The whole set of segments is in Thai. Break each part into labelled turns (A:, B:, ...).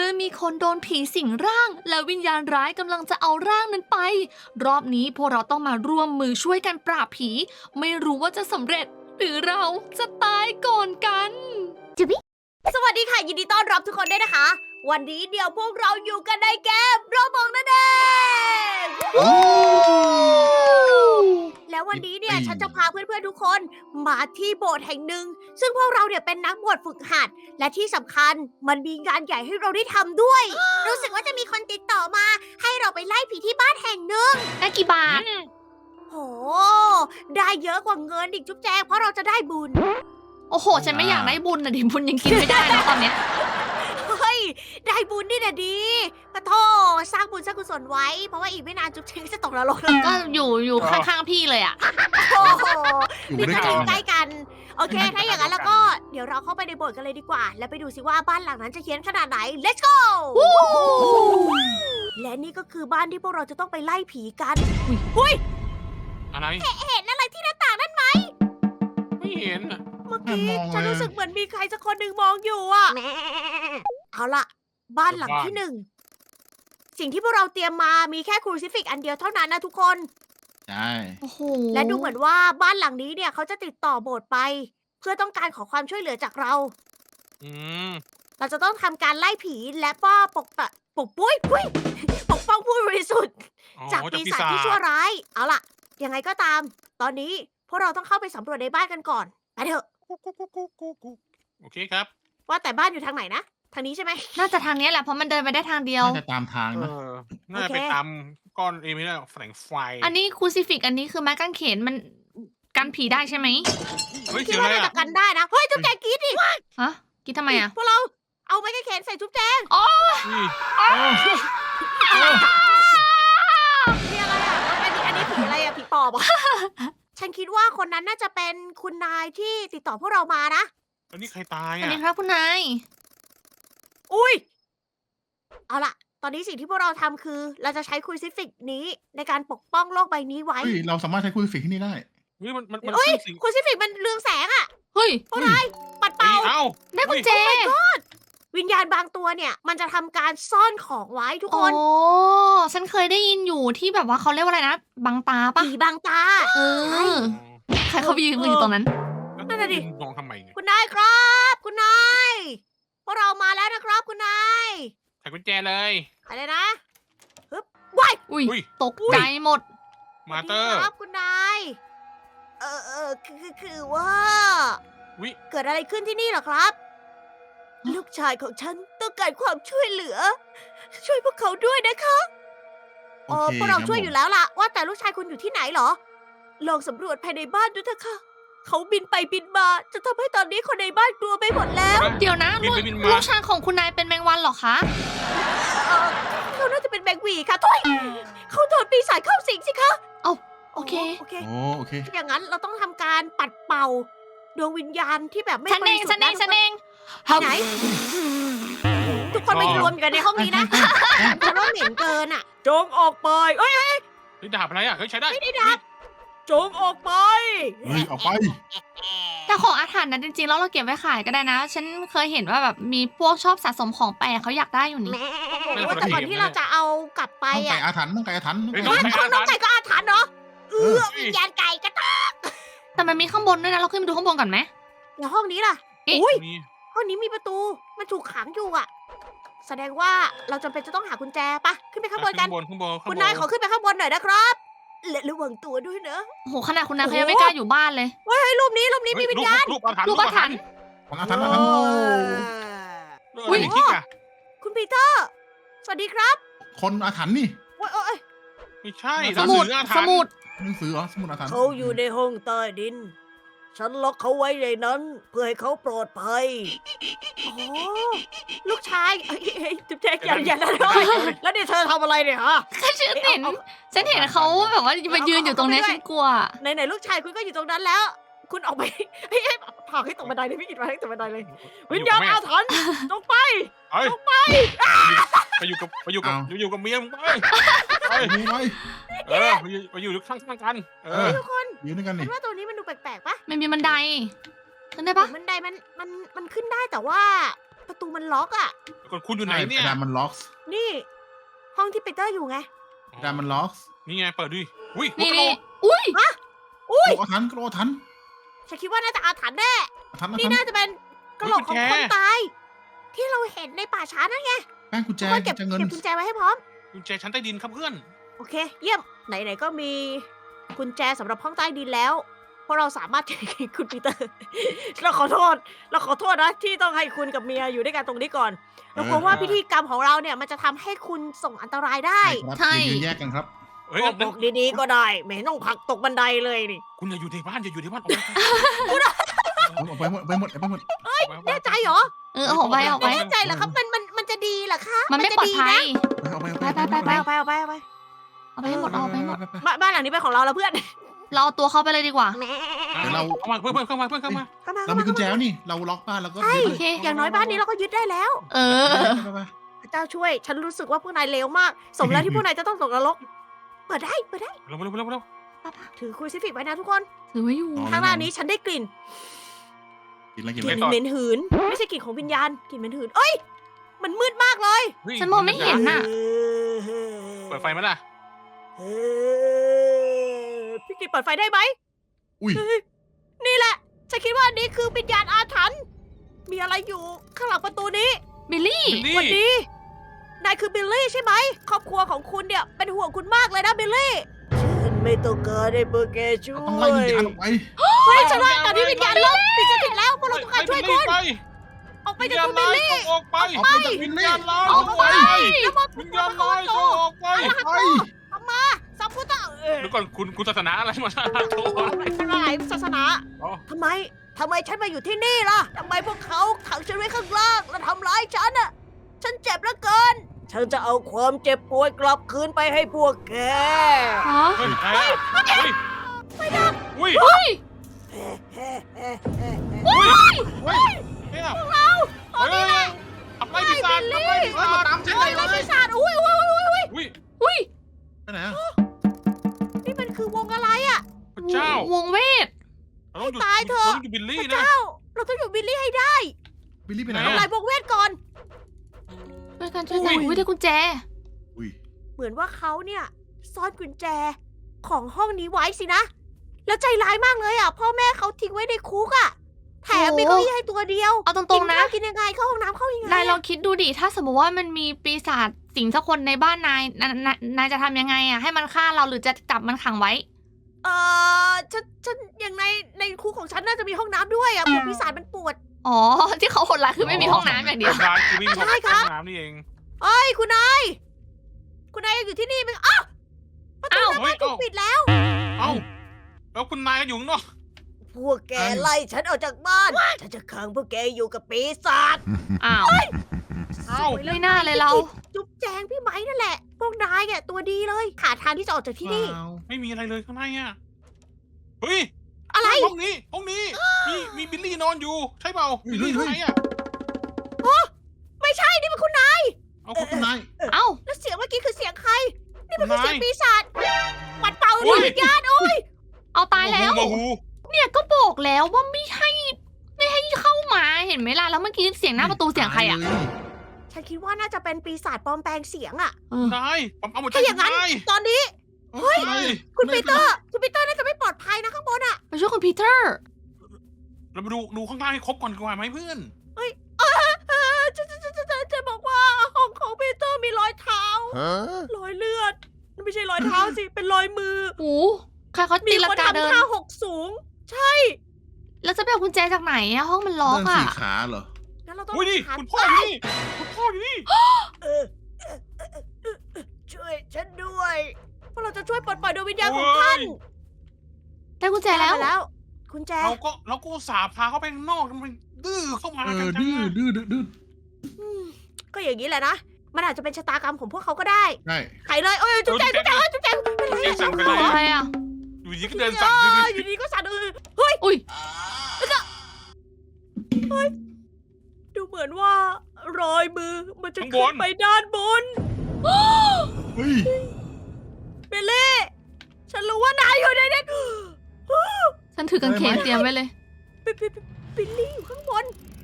A: อมีคนโดนผีสิงร่าง และวิญญาณร้ายกำลังจะเอาร่างนั้นไป รอบนี้พวกเราต้องมาร่วมมือช่วยกันปราบผี ไม่รู้ว่าจะสำเร็จ หรือเราจะตายก่อนกัน
B: สวัสดีค่ะ ยินดีต้อนรับทุกคนด้วยนะคะ วันนี้เดี๋ยวพวกเราอยู่กันในเกมโรบล็อกนั่นเองแล้ววันนี้เนี่ยฉันจะพาเพื่อนๆทุกคนมาที่โบสถ์แห่งหนึ่ง ซึ่งพวกเราเนี่ยเป็นนักบวชฝึกหัด และที่สำคัญมันมีงานใหญ่ให้เราได้ทำด้วย รู้สึกว่าจะมีคนติดต่อมา ให้เราไปไล่ผีที่บ้านแห่งหนึ่ง
A: ได้กี่บาท
B: โห ได้เยอะกว่าเงินอีกจุ๊บแจงเพราะเราจะได้บุญ
A: โอ้โห ฉันไม่อยากได้บุญนะดิบุญยังกินไม่ได้นะตอนเนี้ย
B: เฮ้ย ได้บุญนี่นะดีปะโทสร้างบุญสร้างกุศลไว้ เพราะว่าอีกไม่นานจุ๊บเชงจะตกนรกแล้ว
A: ก็อยู่ข้างๆพี่เลยอ่ะ
B: โอ้โห
C: อยู่
B: นี่
C: ด้วย
B: ก็
C: กั
B: อยู่
C: น
B: ใกล้กัน โอเค ถ้าอย่างนั้นแล้วก็เดี๋ยวเราเข้าไปในโบสถ์กันเลยดีกว่า แล้วไปดูสิว่าบ้านหลังนั้นจะเฮี้ยนขนาดไหน let's go และนี่ก็คือบ้านที่พวกเราจะต้องไปไล่ผีกันอุ้ย
D: อะไร
B: เห็นอะไรที่หน้าต่างนั่นไหม
D: ไม่เห็นอะ
B: เมื่อกี้
C: มองเลย
B: ฉันรู้สึกเหมือนมีใครสักคนหนึ่งมองอยู่อะเอาล่ะ บ้านหลังที่หนึ่ง สิ่งที่พวกเราเตรียมมามีแค่ครูซิฟิกอันเดียวเท่านั้นนะทุกคน
C: ใช่
A: โอ้โห
B: และดูเหมือนว่าบ้านหลังนี้เนี่ยเขาจะติดต่อโบสถ์ไป เพื่อต้องการขอความช่วยเหลือจากเรา
D: อืม
B: เราจะต้องทำการไล่ผีและก็ปกป้องผู้บริสุทธิ์
D: อ๋อ
B: จากปีศาจที่ชั่วร้าย เอาล่ะ ยังไงก็ตาม ตอนนี้พวกเราต้องเข้าไปสำรวจในบ้านกันก่อน ไปเถอะ
D: โอเคครับ
B: ว่าแต่บ้านอยู่ทางไหนนะ ทางนี้ใช่ไหม
A: น่าจะทางเนี้ยแหละเพราะมันเดินไปได้ทางเดียว
C: น่าจะตามทาง
D: เอ
C: นะ
D: อ น่าจะไปตามก้อนไม่ได้แสงไฟ
A: อันนี้ครูซิฟิกอันนี้คือไม้กางเขนมันกันผีได้ใช่ไหม
D: เฮ้ย
B: คิ
D: เสี
B: ด
D: ยง
B: ว่า
D: อะไร
B: น่า
D: อะ
B: จะกันได้นะ เฮ้ยจุ๊บแจงกรีดดิ
A: ฮะกินทำไมอ่ะ
B: พวกเราเอาไม้กางเขนใส่จุ๊บแจง
D: นี่
B: มีอะไรอ่ะอันนี้ผีอะไรอ่ะ ผีปอบอ่ะ ฉันคิดว่าคนนั้นน่าจะเป็นคุณนายที่ติดต่อพวกเรามานะ
D: อันนี้ใครตาย
A: สวัส
D: อ่ะ
A: ดีครับคุณนาย
B: อุ้ย เอาล่ะ ตอนนี้สิ่งที่พวกเราทำคือ เราจะใช้ครูซิฟิกนี้ในการปกป้องโลกใบนี้ไว้
C: เฮ้ยเราสามารถใช้คุยฟิกที่นี่ได้
D: เฮ้ยมัน
B: เอ้ย
D: ขึ้นสิ่ง
B: ครูซิฟิกมันเรืองแสงอะ
A: เฮ้ย
B: พวกนายปัด
D: เฮ้
B: เป่า
D: ยเอ้า
A: ได้กุญแจ
B: วิญญาณบางตัวเนี่ย มันจะทำการซ่อนของไว้ทุก
A: โอ้
B: คน
A: ฉันเคยได้ยินอยู่ที่แบบว่าเขาเรียกว่าอะไรนะ บังตาปะ
B: ผีบางตา
A: เออ ใครเขาไปยืนอยู่ตรงนั้น
B: นั่นน่ะดิ
D: มองทำไมเนี่ย
B: คุณนายครับ คุณนาย พวกเรามาแล้วนะครับคุณนาย
D: ใส่กุญแจเลย
B: อะไรนะฮึบว้าย
A: อุ้ย
D: อุ้ย
A: ตกใจหมด
D: มาเตอร์
B: ครับคุณนายคือว่า
D: วิ
B: เกิดอะไรขึ้นที่นี่เหรอครับ ลูกชายของฉันต้องการความช่วยเหลือ ช่วยพวกเขาด้วยนะคะ
C: โอเค
B: พวกเรา
C: ครับ
B: ช่วยอยู่แล้วล่ะ ว่าแต่ลูกชายคุณอยู่ที่ไหนเหรอ ลองสำรวจภายในบ้านดูเถอะค่ะ เขาบินไปบินมา จะทำให้ตอนนี้คนในบ้านกลัวไปหมดแล้ว
A: เดี๋ยวนะ
D: บินไปบินมา
A: ลูกชายของคุณนายเป็นแมงวันเหรอคะ
B: เขาน่าจะเป็นแบงค์หวีค่ะทุยเขาโดนปีศาจเข้าสิงสิคะ
A: โอเค
B: โอเค
C: โอ้โอเค
B: อย่างนั้นเราต้องทำการปัดเป่าดวงวิญญาณที่แบบไม่
A: ฉัน
B: บ
A: เอ
B: ริ
A: ง
B: สุท
A: ฉัน
B: ธิ์
A: เอ
B: นะ
A: งฉันเอง
B: ที่ไหน ทุกคนมารวมอยู่กันในห้องนี้นะฉันว่าเหม็นเกินอ่ะ จงออกไป เอ้ย
D: เฮ้ยดาบอะไรอ่ะ เฮ้ยใช้ได้
B: ไม่ได้ดาบ จงออกไป
C: เฮ้ยออกไป
A: แต่ของอาถรรพ์นะจริงๆแล้วเราเก็บไว้ขายก็ได้นะ ฉันเคยเห็นว่าแบบมีพวกชอบสะสมของแปลกเขาอยากได้อยู่นี่
B: แต่ก่อนที่เราจะเอากลับไป
C: ต้องไก่
B: อ่ะ
C: อาถรรพ์ต้องไก่อาถรรพ์
D: เฮ้ย
C: ต้อง
D: ต้
C: ไก่
D: อง
C: อาถรรพ์
D: ใช้
B: น้องไก่ก็อาถรรพ์เนาะวิญญาณไก่ก็ตาย
A: แต่มันมีข้างบนด้วยนะ เราขึ้นไปดูข้างบนก่อนไหม
B: แล้วห้องนี้ล่ะ
A: เอ๊ะ
B: อุ้ย
D: นี่
B: ห้องนี้มีประตู มันถูกขังอยู่อ่ะ แสดงว่าเราจำเป็นจะต้องหากุญแจปะขึ้นไปข้างบนกัน
D: ข้างบน
B: คุณนายขอขึ้นไปข้างบนหน่อยนะครับและระวังตัวด้วยนะ
A: โอ้โหขนาดคุณนายเขายังไม่กล้าอยู่บ้านเลย
B: เฮ้ยรูปนี้มีวิญญาณ
D: รูปอาถรรพ์
A: รูปอาถรรพ์
C: ของอาถรรพ์อาถรรพ์
D: อุ้ยคิกอ่ะ
B: คุณปีเตอร์ สวัสดีครับ
C: คนอาถรรพ์นี่
B: โอ้ย
D: ไม่ใช่
A: สมุด
D: หนังสืออาถร
A: ส
D: รพ์
A: มุด
C: หนังสือเหรอสมุดอาถรรพ์
B: เขาอยู่ในห้องใต้ดิน ฉันล็อกเขาไว้ในนั้น เพื่อให้เขาปลอดภัยโอ้ลูกชายเฮ้ยจุ๊บแจ๊กอย่านะแล้วนี่เธอทำอะไรเนี่ยฮะ
A: ฉันเห็นเขาแบบว่ามายืนอยู่ตรงเนี้ยฉันกลัว
B: ไหนลูกชายคุณก็อยู่ตรงนั้นแล้ว คุณออกไปเฮ้ยผลักให้ตกบันไดเลยพี่กิตมาให้ตกบันไดเลย วิญญาณอาถรรพ์จงไป
D: เฮ้ย
B: จงไป
D: ไปอยู่กับเมียมึงไป
C: ดูไว้
D: ไปอยู่ข้างกัน
B: ทุกคน
C: ยืนด้วยกัน
B: คุ
C: นี่
B: ณว่าตัวนี้มันดูแปลกๆปะ
A: มันมีบันไดขึ้นได้ปะ
B: บันไดมันขึ้นได้แต่ว่าประตูมันล็อกอ่ะ
D: ก่อนคุณอยู่ไหนเนี่ย
C: กระดานมันล็อก
B: นี่ ห้องที่ปีเตอร์อยู่ไง
C: กระดานมันล็อก
D: นี่ไงเปิดดิอุ้ย
A: นี่นี่อุ้ย
B: อุ้ย
C: โกรธทันโกรธทัน
B: ฉันคิดว่าน่าจะอาถรรพ์แน่
C: ทัน
B: นี่
C: ทัน
B: น่าจะเป็นกระโหลกของคนตาย ที่เราเห็นในป่าช้านั่นไง
C: แป้งกุญแจ
B: ทุกคนเก็บ
C: จะเงิน
B: กุญแจไว้ให้พร้อม
D: กุญแจชั้นใต้ดินครับเพื่อน
B: โอเค เยี่ยม ไหนๆก็มีกุญแจสำหรับห้องใต้ดินแล้วเพราะเราสามารถ คุณปีเตอร์ เราขอโทษนะที่ต้องให้คุณกับเมียอยู่ด้วยกันตรงนี้ก่อน เรากลัวว่าพิธีกรรมของเราเนี่ยมันจะทำให้คุณส่งอันตรายได้
C: ใช่ครับอย่ายืนแยกกันครับ
D: เฮ้ย
B: บอกดีๆก็ได้ ไม่เห็นต้องผลักตกบันไดเลยนี่
D: คุณอย่าอยู่ในบ้านอย่าอยู่ในบ้าน
C: ออกไปหมดไปหมดไปหมด
B: แน่ใจเหรอ
A: เอาออกไปออกไป
B: แน่ใจเหรอครับมันจะดีเหรอคะ
A: มันไม่ปลอดภัย
C: เอาไป
B: เอาไป
A: เอาไปให้หมดเอาไปให้หมด
B: บ้านหลังนี้เป็นของเราแล้วเพื่อน
A: เราเอาตัวเข้าไปเลยดีกว่า
B: แหม
D: เข้ามาเพื่อนเข้ามา
B: เข้ามา
C: เรามีกุญแจแล้วนี่เราล็อกบ้านแล้วก็
A: โอเค
B: อย่างน้อยบ้านนี้เราก็ยึดได้แล้ว
A: เออ
B: พระเจ้าช่วย ฉันรู้สึกว่าพวกนายเลวมาก สมแล้วที่พวกนายจะต้องตกนรก เปิดได้
D: เร็ว
B: ถือครูซิฟิกไว้นะทุกคน
A: ถือไว้อยู่
B: ข้างหน้านี้ฉันได้กลิ่น
C: กินอะไรกิน
B: ก
C: อะไร
B: ลิ่นเหม็นหืน ไม่ใช่กลิ่นของวิญญาณ กลิ่นเหม็นหืน เอ้ย มันมืดมากเลย
A: ฉันมองไม่เห็นน่ะ
D: เปิดไฟมั้ยล่ะ
B: พี่กิตเปิดไฟได้ไหม
C: อุ้ย
B: นี่แหละ ฉันคิดว่านี่คือวิญญาณอาถรรพ์มีอะไรอยู่ข้างหลังประตูนี้
A: บิลลี่
B: สวัสดี นายคือบิลลี่ใช่ไหม ครอบครัวของคุณเนี่ยเป็นห่วงคุณมากเลยนะบิลลี่ ฉันไม่ต้องการให้พวกแกช่วย
C: ต้องไล่วิญญาณออกไป
B: เฮ้ยฉันว่าตอนนี้วิญญาณลบปิดสถิตแล้วพวกเราต้องการช่วยคุณ ออกไปจากคุณบิลลี่
D: ออกไป
C: ออกไปจากวิญญาณ
A: ออกไป
B: แล้วมา
D: วิญญาณร้ายออกไป
C: ไป
B: สัมพุทธะ
D: เดี๋ยวก่อนคุณศาสนาอะไรมาโทษ
B: หลายศาสนา
D: อ๋อ
B: ทำไมฉันมาอยู่ที่นี่ล่ะทำไมพวกเขาขังฉันไว้ข้างล่างและทำร้ายฉันอ่ะ ฉันเจ็บเหลือเกิน ฉันจะเอาความเจ็บปวดกลับคืนไปให้พวกแก
A: ฮะ
D: เฮ้ยใครอ่ะเฮ้ยไฟดับอุ้ย
A: เฮ้ย
D: เนี่ยพวกเราเฮ้ยขับไล่ปีศาจขับไล่ปีศาจ
C: ตามฉัน
B: เฮ้ย
C: เล
B: แล้ว
C: ย
B: ปีศาจอุ้ย
D: อุ้ย
A: อุ้ย
C: ไปไหนอะ
B: นี่มันคือวงอะไรอ่ะ
D: พระเจ้าว
A: งเวท
D: เราต้องหยุด
B: ตายเถอะ
D: เราต้องหยุดบิล
B: พ
D: ลี่
B: ระ
D: นะ
B: เจ้า เราต้องอยู่บิลลี่ให้ได้
C: บิลลี่ไปไหน
D: ไหน
C: อะ
D: อะ
B: ทำลายวงเวทก่อน
A: ช่วยกันอุ้ยได้กุญแจ
C: อุ้ย
B: เหมือนว่าเขาเนี่ยซ่อนกุญแจของห้องนี้ไว้สินะ แล้วใจร้ายมากเลยอ่ะ พ่อแม่เขาทิ้งไว้ในคุกอ่ะ แถมมีเก้าอี้ให้ตัวเดียว
A: เอาตรงๆนะ
B: กินยังไงเข้าห้องน้ำเข้ายังไง
A: นายลองคิดดูดิ ถ้าสมมติว่ามันมีปีศาจสิงสักคนในบ้านนายจะทำยังไงอ่ะ ให้มันฆ่าเราหรือจะจับมันขังไว้
B: ฉันอย่างในคุกของฉันน่าจะมีห้องน้ำด้วยอ่ะพวกปีศาจมันปวด
A: อ๋อ ที่เขาโหดร้ายคือไม่มีห้องน้ำอย่างเดียว
D: ร้านคือวิ่งเข้า
B: ใช่ครับ
D: ห้องน้ำนี่เอง
B: เอ้ยคุณนายยังอยู่ที่นี่ไหมอ้าวประตูหน้าบ้านถูกปิดแล้ว
D: เอ้าแล้วคุณนายก็อยู่ข้างนอก
B: พวกแกไล่ฉันออกจากบ้าน ฉันจะขังพวกแกอยู่กับปีศาจ
A: อ้าว
D: เอ้า
B: สวยแล้ว
A: ไม่น่าเลยเรา
B: จุ๊บแจงพี่ไม้นั่นแหละ พวกนายเนี่ยตัวดีเลยหาทางที่จะออกจากที่นี่
D: ไม่มีอะไรเลยข้างในอ่ะเฮ้ย
B: อะไร
D: ห้องนี้มีบิลลี่นอนอยู่ใช่เปล่าบิลลี่ข้างในอ่ะ
B: ไม่ใช่นี่เป็นคุณนาย
D: เอา
C: คุณนาย
A: เอ้า
B: แล้วเสียงเมื่อกี้คือเสียงใคร นี่มัน
D: คุ
B: คือ
D: ณ
B: เสีย
D: นาง ย
B: ปีศาจปัดเป่าดวงวิญญาณโอ้ย
A: เอาตายแล้ว
D: โมโห
A: เนี่ยก็บอกแล้วว่าไม่ให้เข้ามาเห็นไหมล่ะ แล้วเมื่อกี้เสียงหน้าประตูเสียงใครอ่ะ
B: ฉันคิดว่าน่าจะเป็นปีศาจปลอมแปลงเสียงอะ
A: เออ
D: นายผมเอาหมดใจ
B: ถ้าอย่างนั้น
D: นาย
B: ตอนนี้
C: เฮ้ย
B: คุณปีเตอร์น่าจะไม่ปลอดภัยนะข้างบนอะ
A: ไปช่วยคุณพีเตอร์
D: เรามาดูข้างล่างให้ครบก่อนดีกว่าไหมเพื่อน
B: จะบอกว่าห้องของปีเตอร์มีรอยเท้ารอยเลือดไม่ใช่รอยเท้าสิ เป็นรอยมือ
A: โอ้ใครเขา
B: มี
A: ตีลั
B: ค
A: ง
B: น
A: กาเดิ
B: ทำ
A: น
B: ท่าหกสูง ใช่
A: แล้วจะไปเอากุญแจจากไหนอะห้องมันล็อก
C: เดิน
A: อะ
C: สี่ขาเหรอ
B: งั้นเราต้อง
D: อุ้ยนี่
B: หา
D: คุณพ่ออยู่นี่คุณพ่ออยู่นี่
B: เออช่วยฉันด้วยเพราะเราจะช่วยปลดปล่อยดวงวิญญาณของท่าน
A: ได้กุญแจแล้ว
B: ได้มาแล้วคุณแจ
D: เราก็อุตสาห์พาเขาไปข้างนอกมันดื้อเข้ามา
C: เอ
D: กัน
C: อ
D: จัง
C: ดื้อ
D: อะ
C: ดื้อ
B: อืมก็อย่างนี้แหละนะ มันอาจจะเป็นชะตากรรมของพวกเขาก็ได้
C: ใช่
B: ไขเลยโอ้ยจุ๊บแจงเป็นไร
D: เจ๊สั่งไปเลย
A: อะไรอะ
D: อยู่ดีก็เดินสั่งดื้อ
B: อยู่ดีก็สั่นเฮ้ย
A: อุ้ย
B: ดูเหมือนว่ารอยมือมันจะขึ้นไปด้านบน
C: เฮ้ย
B: เบลเล่ฉันรู้ว่านายอยู่ในนั้น
A: ฉันถือกางเขนเตรียมไว้เลย
B: บิลลี่อยู่ข้างบน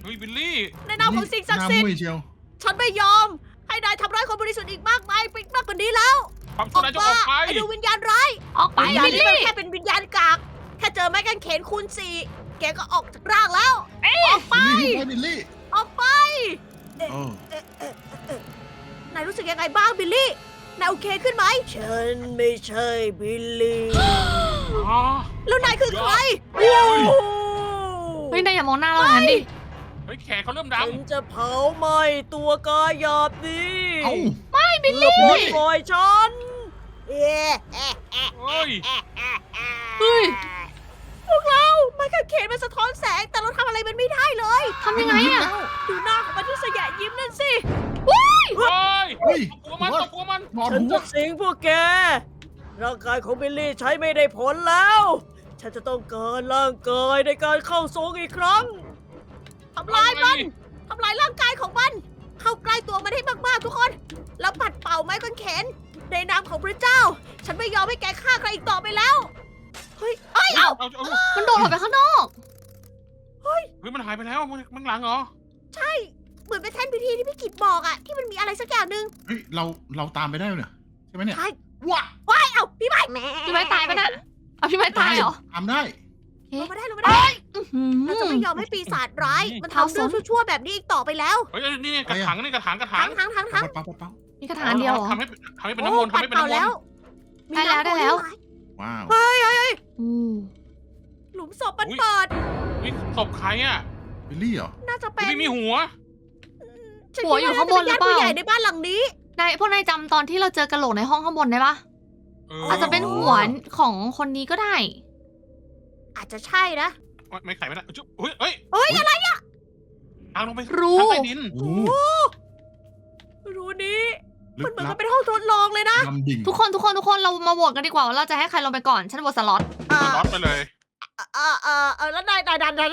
D: เฮ้ยบิลลี่
B: ในนามของสิ่งศักดิ์สิท
C: หน้า
B: ธิ์
C: มุ้ยเชียว
B: ฉันไม่ยอม ให้นายทำร้ายคนบริสุทธิ์อีกมากมายมากกว่านี้แล้ว
D: ความ
B: อ
D: ชั่ว
B: อก
D: ร้ายจะ
B: มา
D: ออกไป
B: ไอ้ดูวิญญาณร้าย
A: ออกไป
B: วิญญาณ
A: บิล
B: นี้มัน
A: ลี่
B: แค่เป็นวิญญาณกากแค่เจอไม้กางเขนคูณ4แกก็ออกจากร่างแล้ว ออกไป
C: บิลลี่
B: ออกไป
C: โอ้
B: นายรู้สึกยังไงบ้างบิลลี่ นายโอเคขึ้นไหม ฉันไม่ใช่บิลลี่
D: อ๋อ
B: แล้วนายคือใคร
A: เฮ้ยนายอย่ามองหน้าเราอย่างนั้นดิ
D: เฮ้ยแขนเขาเริ่มด
B: ฉันจะเผาไหม้ตัวกายหยาบนี้
C: เอ้า
A: บิลลี่
B: ปล่อยฉัน
D: ำเฮ้ย
A: เฮ้ย
B: พวกเราไม้กางเขนมันสะท้อนแสงแต่เราทำอะไรมันไม่ได้เลย
A: ทำยังไงอะ
B: ดูหน้าของมันที่สยะยิ้มนั่นสิ
D: เฮ้ย
C: เฮ้ย
D: ตบหัวมันตบหัวมัน
C: นอน
B: ฉัน
C: หัว
B: จะสิงพวกแก ร่างกายของบิลลี่ใช้ไม่ได้ผลแล้ว ฉันจะต้องการร่างกายในการเข้าทรงอีกครั้ง ทำลายมัน ทำลายร่างกายของมัน เข้าใกล้ตัวมันให้มากๆทุกคน แล้วปัดเป่าไม้กางเขนในนามของพระเจ้า ฉันไม่ยอมให้แกฆ่าใครอีกต่อไปแล้ว เฮ้ย เอ้ย
D: เอา
A: มันโดดออกไปข้างนอก
D: เฮ้ยมันหายไปแล้วมันหลังเหรอ
B: ใช่ เหมือนเป็นแท่นพิธีที่พี่กิตบอกอะที่มันมีอะไรสักอย่างหนึ่ง
C: เฮ้ยเราตามไปได้เนี่ยใช่ไหมเนี่ย
B: ใช่
C: ว้า
B: ว้ายเอ้าพี่ไม้
A: พี่ไม้ตายปะน่ะเอาพี่ไม้ตายเหรอ
C: ตามได้
B: ลงมาได้ลงมาได้
A: อื้อหื
B: เราจะไม่ยอมให้ปีศาจร้าย มันทำเรื่องชั่วๆแบบนี้อีกต่อไปแล้ว
D: เฮ้ยนี่กระถางนี่กระถาง
B: ทั้ง
C: เปา
A: มีกระถางเดียวเหรอ
D: ทำให้เป็นน้ำมนต์ทำให้เป็นน้ำมน
B: แล้ว
D: ต์
B: มี
A: ได้แล้ว
B: น้ำมนต์
A: ได้แล้ว
B: ด้วย
C: ว้าว
A: อืม
B: หลุมศพมันเปิด
D: นี่ศพใครอ่ะ
C: บิลลี่เหรอ
B: น่าจะเป็น
D: ไม่มีหัว
B: ฉัน
A: หัวอยู่ข้างบนหรือเปล่า
B: คิดว่น่จะเป็นญติผู้ใหญ่ในบ้านหลังนี้
A: พวกนายจำตอนที่เราเจอกระโหลกในห้องข้างบนได้ปะอาจจะเป็นหัวของคนนี้ก็ได้
B: อาจจะใช่นะ
D: ไม่ไขไม่ได้เฮ้ยเฮ้ย
B: เฮ้ยอะไรอะ
D: ทางลงไป
A: รู้
D: ทางใต้ดิน
C: โอ้
B: รูนี้
C: ลึ
B: มัน
C: ก
B: เหมือน
C: ลั
B: กับ บเป็นห้องทดลองเลยนะ
C: ดำดิ่ง
A: ทุกคนเรามาโหวตกันดีกว่าว่าเราจะให้ใครลงไปก่อน ฉันโหวตสล็อต
D: ล็อตไปเลย
B: แล้วนายดัน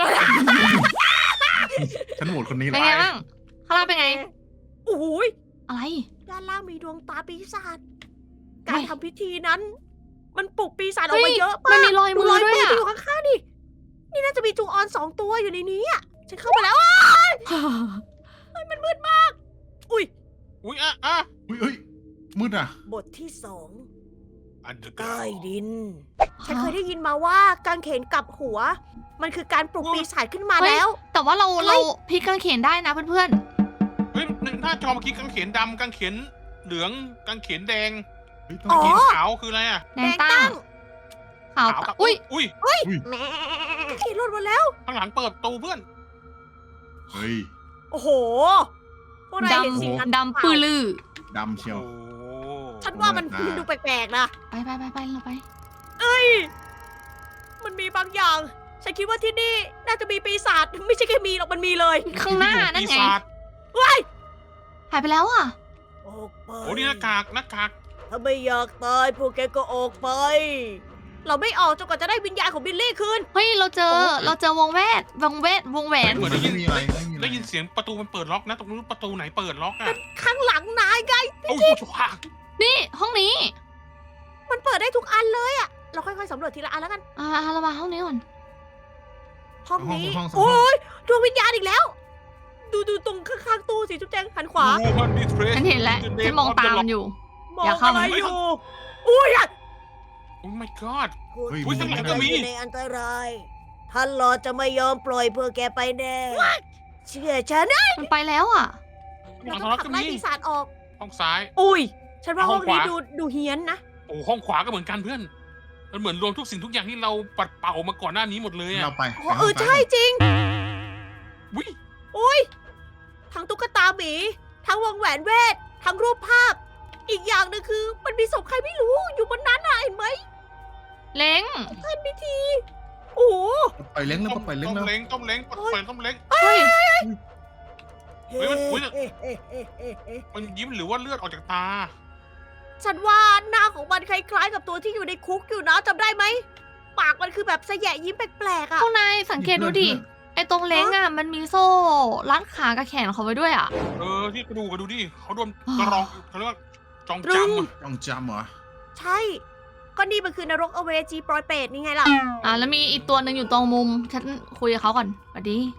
C: ฉันโหวตคนนี้
A: เป็น
C: ละ
A: ไงบ้างข้างล่างเป็นไง
B: โอ้โหย
A: อะไร
B: ด้านล่างมีดวงตาปีศาจ
A: เฮ้
B: การ
A: ย
B: ทำพิธีนั้น มันปลุกปีศาจออกมาเยอะ
A: มัน
B: มาก
A: มีรอยมือด้วย
B: ที่
A: อะ
B: อยู่ข้างๆดิ นี่น่าจะมีจูออน2 ตัวอยู่ในนี้อ่ะ ฉันเข้าไปแล้วอะมันมืดมาก อุ้ย
D: อุ้ย
C: เ
D: อ่ะ
C: ฮ้ยมืดอ่ะ
B: บทที่
D: อันเดอร์
B: 2
D: ก
B: ใต้ดิน ฉันเคยได้ยินมาว่ากางเขนกลับหัว มันคือการปลุกปีศาจขึ้นมาแล้ว
A: แต่ว่าเราพลิกกางเขนได้นะเพื่อน
D: เฮ้ยหน้าจอเมื่อกี้กางเขนดำกางเขนเหลืองกางเขนแดง
C: เฮ้ย
B: อ๋
C: ต้
B: อ
C: อง
D: เข
C: กิน
D: นขาวคืออะไรอ่ะ
A: ๆแดงตั้งขาว
D: ขาวกับ
A: อุ้ย
D: อุ้ย
B: แม่เขนหลุดหมดแล้ว
D: ข้างหลังเปิดประตูเพื่อน
C: เฮ้ย
B: โอ้โห พวกนายเห็นสิ่งนั้น
A: ดำปื้อลือ
C: ดำเชียว
B: ฉันว่ามัน
C: โอ้ย
B: ดูแปลกๆนะ
A: ไปเราไป
B: เอ้ย มันมีบางอย่าง ฉันคิดว่าที่นี่น่าจะมีปีศาจ ไม่ใช่แค่มีหรอก มันมีเลย
A: ข้างหน้านั่นไง
D: ปีศาจ
B: ว้าย
A: หายไปแล้วอ่ะ
B: ออกไป
D: โอ้นี่หน้ากาก
B: ถ้าไม่อยากตายพวกแกก็ออกไป เราไม่ออกจนกว่าจะได้วิญญาณของบิลลี่คืน
A: เฮ้ยเราเจอวงแหวน
D: เหมือนได้ยิน
C: ไม่มีอะไรไม่มีอะไร
D: ได้ยินเสียงประตูมันเปิดล็อกนะตรงนู้นประตูไหนเปิดล็อกอ่ะ
B: ข้างหลังนายไง
D: โอ้โหชัวร์
A: นี่ห้องนี้
B: มันเปิดได้ทุกอันเลยอะเราค่อยๆสำรวจทีละอันแล้วกัน
A: เรามาห้องนี้ก่อน
B: ห้องนี้
C: ห้อง
B: โอ้ยดวงวิญญาณอีกแล้ว ดูตรงข้างๆตู้สิจุ๊บแจงหันขวา
D: มันดิเทรส
A: ฉันเห็นแล้วฉันมองตามมันอยู่
B: มอง
A: อย่าเข้า
B: อะไรอยู่ อุ้ยอะ
D: โอ้ my god
C: เฮ้ย
D: อุ๊ยข้างหลังก็มี
B: ในอันตรายท่านหลอดจะไม่ยอมปล่อยเพื่อแกไปแน่ เชื่อฉันนะ
A: มันไปแล้วอ่ะ
B: เราต้องขับไล่ปีศาจออก
D: ห้องซ้าย
B: อุ้ย ฉันว่า
D: ห้
B: ห้
D: อ
B: อง ง
D: ขวา
B: นี้ดูเฮี้ยนนะ
D: โอ้ห้องขวาก็เหมือนกันเพื่อน มันเหมือนรวมทุกสิ่งทุกอย่างที่เราปัดเป่ามาก่อนหน้านี้หมดเลยอ่ะ
C: เราไป
B: อ๋อใช่จริง
D: วิ
B: อุ้ย ทั้งตุ๊กตาหมี ทั้งวงแหวนเวท ทั้งรูปภาพ อีกอย่างหนึงคือมันมีศพใครไม่รู้อยู่บนนั้นน่ะเห็นไหม
A: เล้ง
B: ท่านพิธี โอ้โห
C: ไปเล้งแล้วไปเล้ง
D: ต้
C: แล้ว
D: มเล้งต้มเล้งเปิดต้มเล้ง
A: เฮ้ย
D: เฮ้ยมันอุ๊ย มันยิ้มหรือว่าเลือดออกจากตา
B: ฉันว่าหน้าของมันคล้ายๆกับตัวที่อยู่ในคุกอยู่นะจำได้ไหม ปากมันคือแบบสะแยะยิ้มแปลกๆอ่ะ
A: พวกนายสังเกตดูดิ ไอ้ตรงเล้งอ่ะมันมีโซ่รัดขากับแขนเขาไว้ด้วยอ่ะ
D: ที่กระดูกดูดิเขาโดนกระรองเขาเรียกว่าจอง
B: ตรึ
D: จ
B: ง
C: ต้องจำเหรอ
B: ใช่ ก็นี่มันคือนรกอเวจีปลอยเปรตนี่ไงล่ะ
A: แล้วมีอีกตัวหนึ่งอยู่ตรงมุม ฉันคุยกับเขาก่อนสวัสดี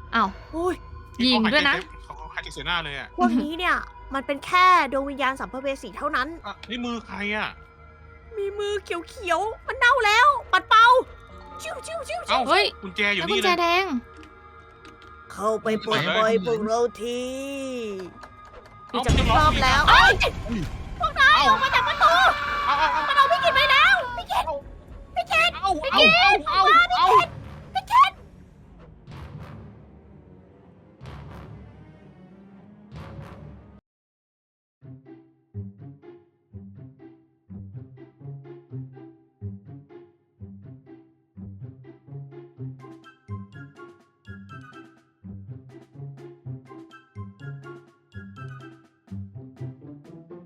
A: อ้าว
B: อุ้ย
A: ยิงด้วยนะ
D: เขาหายใจเสียหน้าเลยอ่ะ
B: พวกนี้เนี่ยมันเป็นแค่ดวงวิญญาณสัมภเวสีเท่านั้น
D: นี่มือใครอ่ะ
B: มีมือเขียวๆ มันเน่าแล้ว ปัดเป่า ชิวชิวชิว
D: เอ้า
A: เฮ้ย
D: กุญแจอยู่
A: แล้วกุ
D: นี่
A: ญแจ
D: เลย
A: แดง
B: เข้าไปปลดปล่อยพวกเราที
D: เอ้า
B: จะไม่รอบแล้ว
D: เอ้า
B: พวกนายออกมาจากประตู
D: เอา
B: มันเอาพี่กินไปแล้ว พี่กิน
D: เอาเอา